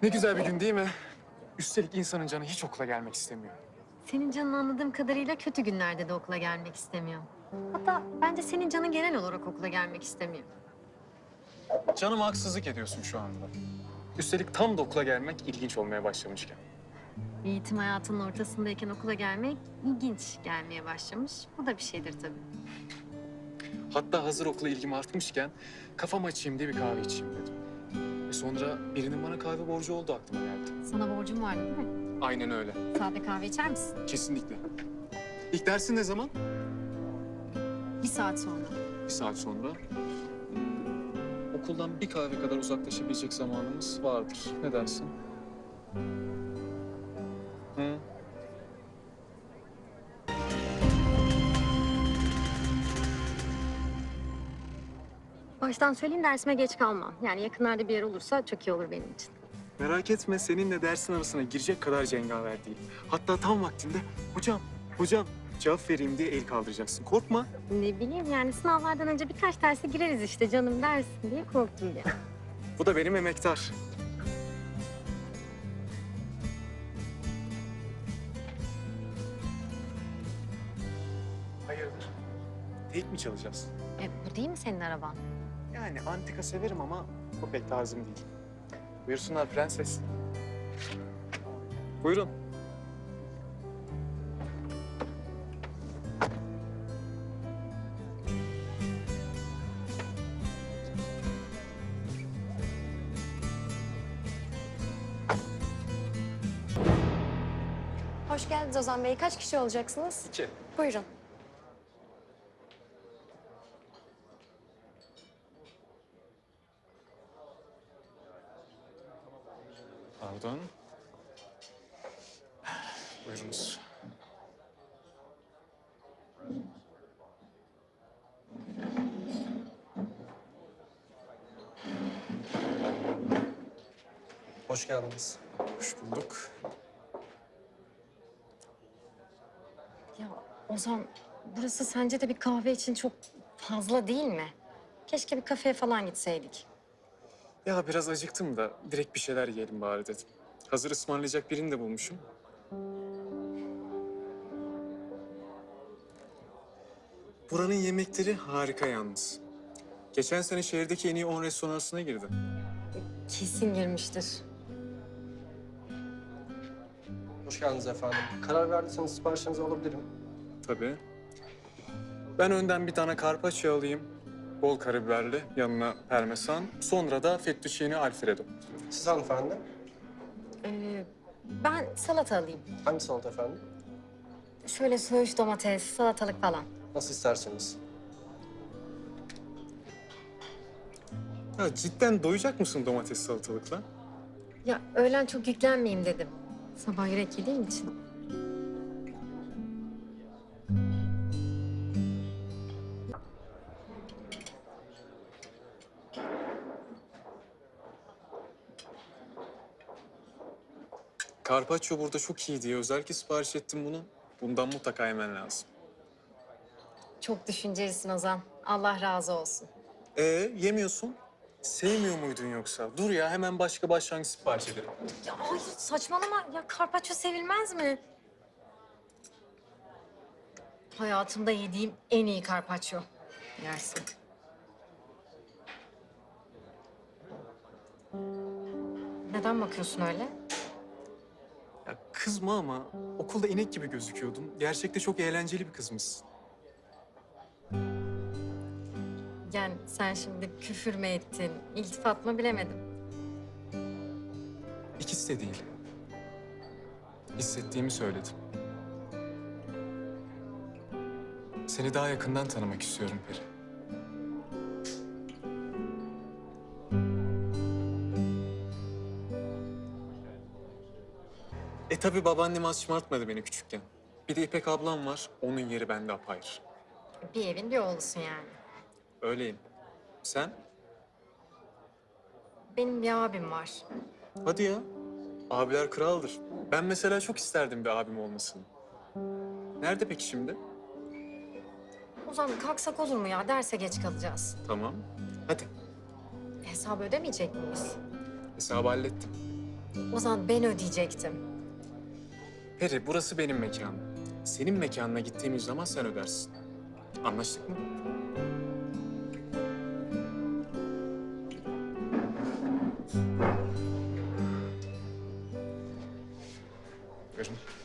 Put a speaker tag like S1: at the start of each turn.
S1: Ne güzel bir gün değil mi? Üstelik insanın canı hiç okula gelmek istemiyor.
S2: Senin canın anladığım kadarıyla kötü günlerde de okula gelmek istemiyor. Hatta bence senin canın genel olarak okula gelmek istemiyor.
S1: Canıma haksızlık ediyorsun şu anda. Üstelik tam da okula gelmek ilginç olmaya başlamışken.
S2: Eğitim hayatının ortasındayken okula gelmek ilginç gelmeye başlamış. Bu da bir şeydir tabii.
S1: Hatta hazır okula ilgim artmışken kafam açayım diye bir kahve içeyim dedim. Ve sonra birinin bana kahve borcu olduğu aklıma geldi.
S2: Sana borcum vardı değil mi?
S1: Aynen öyle.
S2: Sade kahve içer misin?
S1: Kesinlikle. İlk dersin ne zaman?
S2: 1 saat sonra.
S1: 1 saat sonra. Okuldan bir kahve kadar uzaklaşabilecek zamanımız vardır. Ne dersin? Hı?
S2: Baştan söyleyeyim dersime geç kalmam. Yani yakınlarda bir yer olursa çok iyi olur benim için.
S1: Merak etme, seninle dersin arasına girecek kadar cengaver değil. Hatta tam vaktinde hocam cevap vereyim diye el kaldıracaksın. Korkma.
S2: Ne bileyim yani sınavlardan önce birkaç derse gireriz işte canım dersin diye korktum ya.
S1: Bu da benim emektar. Hayırdır? Tek mi çalacağız?
S2: Bu değil mi senin araban?
S1: Yani antika severim ama bu pek tarzım değil. Buyursunlar prenses. Buyurun.
S3: Hoş geldiniz Ozan Bey. Kaç kişi olacaksınız?
S1: 2.
S3: Buyurun.
S1: Pardon. Buyurunuz.
S4: Hoş geldiniz.
S1: Hoş bulduk.
S2: Ya Ozan, burası sence de bir kahve için çok fazla değil mi? Keşke bir kafeye falan gitseydik.
S1: Ya biraz acıktım da direkt bir şeyler yiyelim bari dedim. Hazır ısmarlayacak birini de bulmuşum. Buranın yemekleri harika yalnız. Geçen sene şehirdeki en iyi 10 restoran arasına girdi.
S2: Kesin girmiştir.
S4: Hoş geldiniz efendim. Karar verdiyseniz siparişinizi alabilirim.
S1: Tabii. Ben önden bir tane carpaccio alayım. Bol karabiberli, yanına parmesan. Sonra da fettuccine alfredo.
S4: Siz hanımefendi?
S2: Ben salata alayım.
S4: Hangi salata efendim?
S2: Şöyle söğüş domates, salatalık falan.
S4: Nasıl isterseniz.
S1: Ya cidden doyacak mısın domates salatalıkla?
S2: Ya öğlen çok yüklenmeyeyim dedim. Sabah yürek yediğim için.
S1: Carpaccio burada çok iyi diye özellikle sipariş ettim bunu. Bundan mutlaka yemen lazım.
S2: Çok düşüncelisin Ozan. Allah razı olsun.
S1: Yemiyorsun. Sevmiyor muydun yoksa? Dur ya hemen başka başlangıç sipariş edelim.
S2: Ya hayır saçmalama. Ya karpaccio sevilmez mi? Hayatımda yediğim en iyi karpaccio. Yersin. Neden bakıyorsun öyle?
S1: Ya kızma ama okulda inek gibi gözüküyordun. Gerçekte çok eğlenceli bir kızmışsın.
S2: Yani sen şimdi küfür mü ettin, iltifat mı bilemedim.
S1: İkisi de değil. Hissettiğimi söyledim. Seni daha yakından tanımak istiyorum Peri. Tabii babaannem az şımartmadı beni küçükken. Bir de İpek ablam var, onun yeri bende apayrı.
S2: Bir evin bir oğlusun yani.
S1: Öyleyim. Sen?
S2: Benim bir abim var.
S1: Hadi ya. Abiler kraldır. Ben mesela çok isterdim bir abim olmasını. Nerede peki şimdi?
S2: Ozan kalksak olur mu ya? Derse geç kalacağız.
S1: Tamam. Hadi.
S2: Hesabı ödemeyecek miyiz?
S1: Hesabı hallettim.
S2: Ozan ben ödeyecektim.
S1: Peri, burası benim mekanım. Senin mekanına gittiğimiz zaman sen ödersin. Anlaştık mı? Buyurun.